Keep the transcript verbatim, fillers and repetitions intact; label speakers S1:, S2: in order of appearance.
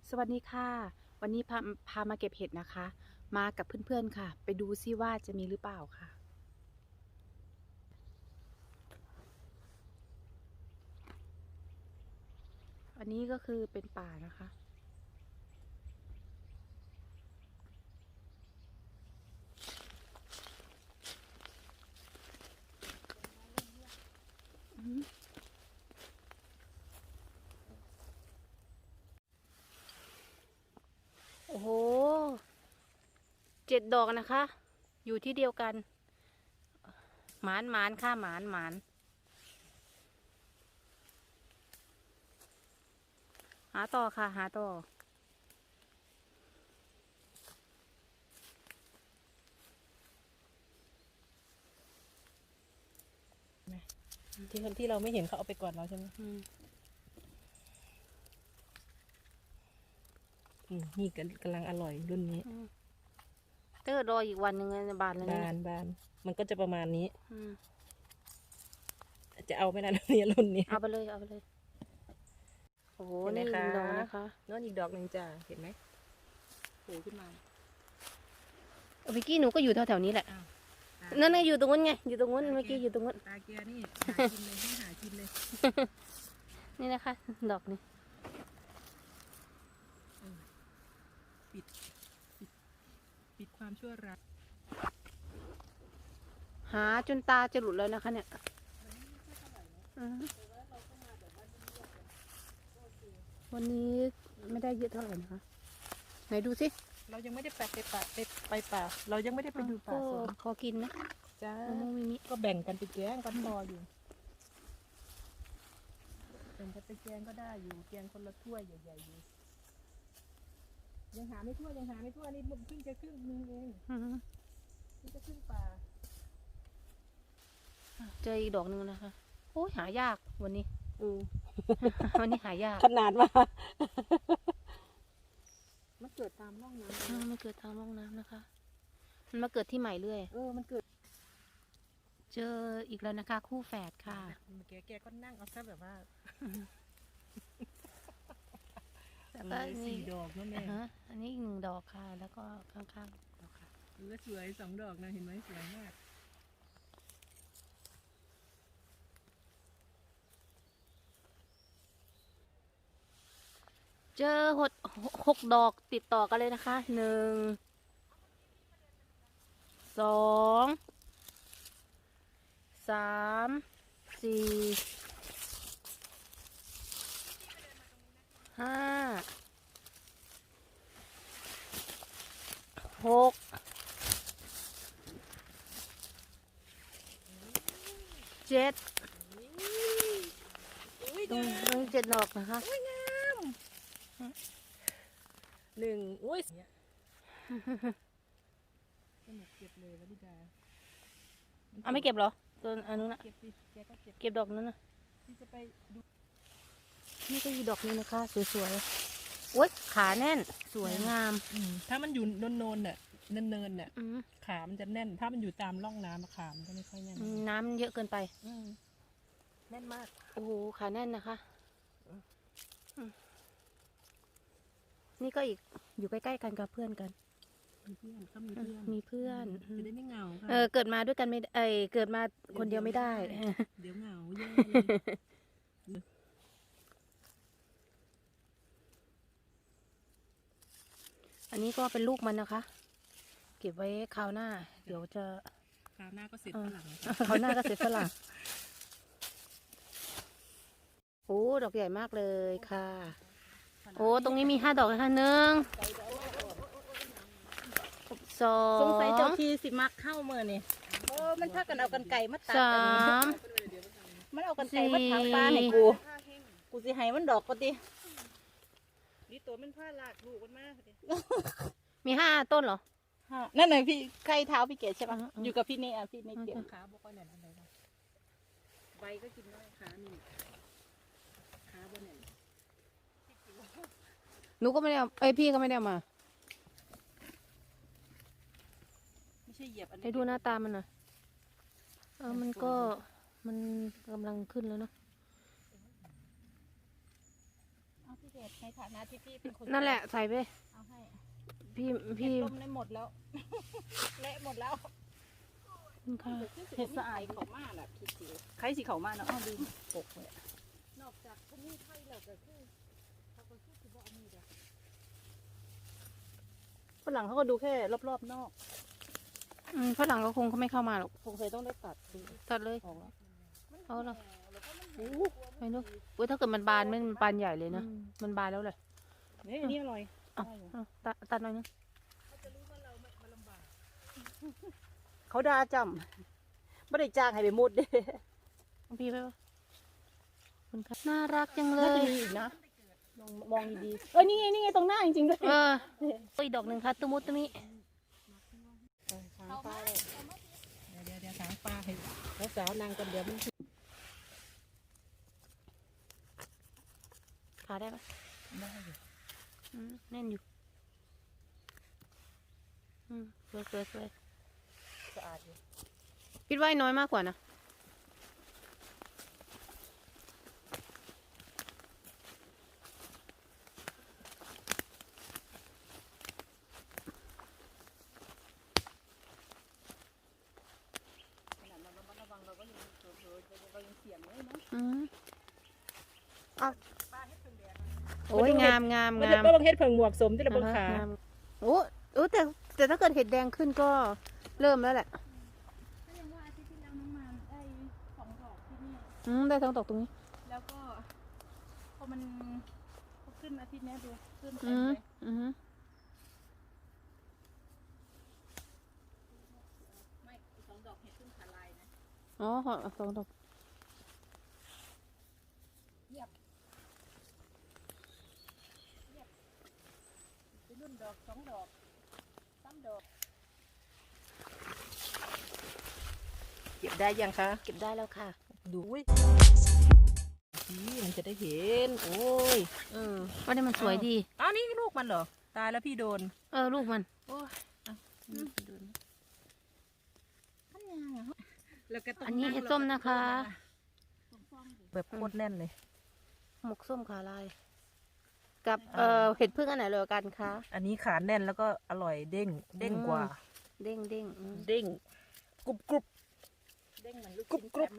S1: สวัสดีค่ะวันนี้พาพามาเก็บเห็ดนะคะ มากับเพื่อนๆค่ะ ไปดูซิว่าจะมีหรือเปล่าค่ะอันนี้ก็คือเป็นป่านะคะอืมโอ้โหเจ็ดดอกนะคะ อยู่ที่เดียวกันหมานหมานค่ะหมานหมานหาต่อค่ะหาต่อ
S2: ที่คนที่เราไม่เห็นเขาเอาไปก่อนเราใช่ไหม
S1: อืม
S2: อืมนี่กำกำลังอร่อยรุ่นนี้
S1: อืมเตอร์รออีกวันหนึ่งบานเลย
S2: บานบานมันก็จะประมาณนี้
S1: อืม
S2: จะเอาไม่นานนี้รุ่นนี้
S1: เอาไปเลยเอาไปเลยโอ้โห
S2: เห็นไหม
S1: นี่
S2: คะ
S1: ดอกนะคะ
S2: โน่นอีกดอกหนึ่งจ้าเห็นไหมโผล่ขึ้นมา
S1: เมื่อกี้หนูก็อยู่แถวๆนี้แหละ
S2: อ้าวตา
S1: นั่นไงอยู่ตรงนู้นไงอยู่ตรงนู้นเมื่อกี้อยู่ตรงนู้น
S2: ตาเกียร์นี่หากินเลยให้หากินเลย
S1: นี่นะคะ ดอกนี้
S2: ปิดปิดปิดความชั่วร้าย
S1: หาจนตาจะหลุดแล้วนะคะเนี่ยอือฮึวันนี้ไม่ได้เยอะเท่าไหร่นะคะ ไหนดูสิ
S2: เรายังไม่ได้ไปไปป่าไปไปป่าเรายังไม่ได้ไปดูป่า
S1: ก็
S2: สวน
S1: พอกินนะ
S2: จ้าม
S1: ะม่วงมิมิ
S2: ก็แบ่งกันไปแกงกันพออยู่แบ่งกันไปแกงก็ได้อยู่แกงคนละถ้วยใหญ่ๆอยู่ยังหาไม่ทั่วยังหาไม่ทั่วนี่เพิ่งจะครึ่งนึงเอง
S1: อือฮึ
S2: เพิ่งจะครึ่งป่า
S1: เจออีกดอกหนึ่งนะคะโอ้ยหายากวันนี้
S2: อืม
S1: วันนี้หายาก
S2: ขนาดว่ามันเกิดตามร่องน้
S1: อ่ามันเกิดทางร่องน้ำนะคะ มันมาเกิดที่ใหม่เรื่อย
S2: ำเออมันเกิด
S1: เจออีกแล้วนะคะ คู่แฝดค่ะ
S2: แกแกก็นั่งเอาซะแบบว่า
S1: แล้วก็
S2: เออ
S1: นี่
S2: สี่ดอกนั่นเอ
S1: อ่าง ฮะอันนี้อีกหนึ่งดอกค่ะ แล้วก็ข้างๆดอกค่ะ
S2: เออสวยสองดอกนะเห็นไหมสวยมาก
S1: เจอหดหกดอกติดต่อกันเลยนะคะ หนึ่ง สอง สาม สี่ ห้า หก เจ็ด
S2: อุ้ย
S1: ตรง
S2: งา
S1: ตรงเจ็ดดอกนะคะ
S2: อุ้ยงามหนึ่งอุ้ยเนี่ยสนุกเก็บเลยวะดิดา
S1: เอาไม่เก็บเหรอตัวอันนู้นนะ
S2: เก็บสิแกก็เก็บ
S1: เก็บดอกนั้นนะ
S2: ที่จะไปดู
S1: นี่ก็อีกดอกนึงนะคะ สวยๆโอ๊ยขาแน่น สวยงาม
S2: อืมถ้ามันอยู่โนนๆน่ะเนินๆน่ะ
S1: อืม
S2: ขามันจะแน่น ถ้ามันอยู่ตามร่องน้ำอะขามันก็ไม่ค่อยแน่น
S1: น้ำเยอะเกินไป
S2: อืมแน่นมาก
S1: โอ้โห ขาแน่นนะคะอืมนี่ก็อีก อยู่ใกล้ๆกันกับเพื่อนกัน
S2: มีเพื่อนเขามี
S1: อื
S2: เพื่อน
S1: มมีเพื่อน
S2: จะได้ไม่เหงาค่ะ
S1: เออ เกิดมาด้วยกันไม่ได้เอยเกิดมาคนเดียวไม่ได้
S2: เดี๋ยวเหงาแย่เลย
S1: อันนี้ก็เป็นลูกมันนะคะ เก็บไว้คราวหน้า เดี๋ยวจะ
S2: คราวหน้าก็เสร็จ
S1: เออ
S2: ฝรั่งค่ะ
S1: คราวหน้าก็เสร็จฝรั่งโอ้ดอกใหญ่มากเลยค่ะ โอ้ ตรงนี้มีห้าดอกนะคะหนึ่ง สอง
S2: สงสัยเจ้าที่สิมักเข้าเมื่อนี่โอ้มันพากันเอากันไก่มาตัด
S1: สา
S2: กัน
S1: ม
S2: มันเอากันไก่มา
S1: สี่
S2: ทางปลาให้กู กูสิให้มันดอกปะตินี่ตัวมันผ้าลากลูกมันมาก
S1: มีห้าต้นเหรอ
S2: นั่นน่ะพี่ไข่เท้าพี่เกดใช่ปะ
S1: อืมอืม
S2: อยู่กับพี่เนอ่ะพี่เนเก็บ
S1: อืม
S2: ขาบ่ค่อยแน่นอะไรนะใบก็กินได้ขานี่ขาบ่แน่น
S1: หนูก็ไม่ได้เอาเอ้ยพี่ก็ไม่ได้เอามา
S2: ไม่ใช่เหยียบอันนี้
S1: ให้ดูหน้าตามันหน่อยเออมันก็มันกำลังขึ้นแล้วเนาะ
S2: เอาพี่เกดแทในฐานะที่พี่เป็นคน
S1: นั่นแหละใส่ไป
S2: เอาให้
S1: พี่
S2: เห็
S1: พี่
S2: ดต้มได้หมดแล้ว เละหมดแล้ว
S1: ค่ะ
S2: เห็ดสะอายเขามากแบบคิดสิใครสิเขามากเนาะอ้อดีปกเลยนอกจากพวกนี้ไทยแล้วก็คือเขาก็คือสิบ่เอามีเด้อฝรั่งเขาก็ดูแค่รอบๆนอก
S1: อืมฝรั่งก็คงเขาไม่เข้ามาหรอก
S2: คงเคยต้องได้ตัดดู
S1: ตัดเลย
S2: ออกแล้ว
S1: เอาละ
S2: โอ้
S1: ไปดูเว้ยถ้าเกิดมันบานมันบานใหญ่เลยนะมันบานแล้วเลย
S2: นี่อันนี้อร่อย
S1: เอา
S2: ได้อยู่
S1: เอาตัดตัดหน่อยนึง
S2: เขาด่าจำไม่ได้จ้างให้ไปมุดเด้
S1: เอาพี่ไปวะคุณค่ะน่ารักจังเล
S2: น่าจะ
S1: ย
S2: มีอีกนะลองมองดีๆเอ้ยนี่ไงนี่ไงตรงหน้าจริงๆด้วย
S1: เออโอ้ยดอกหนึ่งค่ะตุมุตุมิ
S2: ถางปลาเลยเดี๋ยวเดี๋ยวถางปลาให้แล้วสาวนางกันเดี๋ยวมัน
S1: ขาได้ปะ
S2: ได้อยู่
S1: อืมแน่นอยู่อืมสวยสวยสวย
S2: สะอาดอยู่
S1: คิดว่าไอ้น้อยมากกว่านะ
S2: ขนาดเราระมัดระวังเราก็ยังเผลอๆเรายังเสี่ยงเลยเนาะ
S1: อืม
S2: ปลาเฮ็ดเพิ่งแดง
S1: โอ้ยงามงาม
S2: มัน
S1: งาม
S2: ก็ต้องเฮ็ดเพิ่งหมวกสมที่เราเบิ่งขา
S1: อ่ฮะงามโอ้โอ้แต่แต่ถ้าเกิดเห็ดแดงขึ้นก็เริ่มแล้วแหละ
S2: ก็ยังว่าอาทิตย์ที่แล้วน้องมานได้สองดอกที่นี่
S1: อืมได้ทั้งตกตรงนี้
S2: แล้วก็พอมันพอขึ้นอาทิตย์นี้ดูขึ้นเต็
S1: อื
S2: ม
S1: ม
S2: เลย
S1: อืม
S2: ไม่สองดอกเห็ดขึ้นขาลายนะ
S1: อ๋อขอสองดอก
S2: เป็นรุ่นดอกสองดอกสามดอกเก็บได้ยังคะ
S1: เก็บได้แล้วค่ะ
S2: ดูอุ้ยนี่มันจะได้เห็นโอ้ยเออ
S1: ว่านี่มันสวยดี
S2: อ้าวนี่ลูกมันเหรอตายแล้วพี่โดน
S1: เออลูกมัน
S2: โอ้ยอ่ะอืมโดนอันยังอ่ะแล้วก็ต้ง
S1: อันนี้เห็ดส้มนะคะ
S2: แบบโคตรแน่นเลย
S1: หมกส้มขาลาย กับเอ่อเห็ดพึ่งอันไหนเลยกันคะ
S2: อันนี้ขาแน่นแล้วก็อร่อยเด้งเด้งกว่า
S1: เด้งเด้งอืม
S2: เด้งกรุบกรุบเด้งเหมือนลูกกรุบกรุบ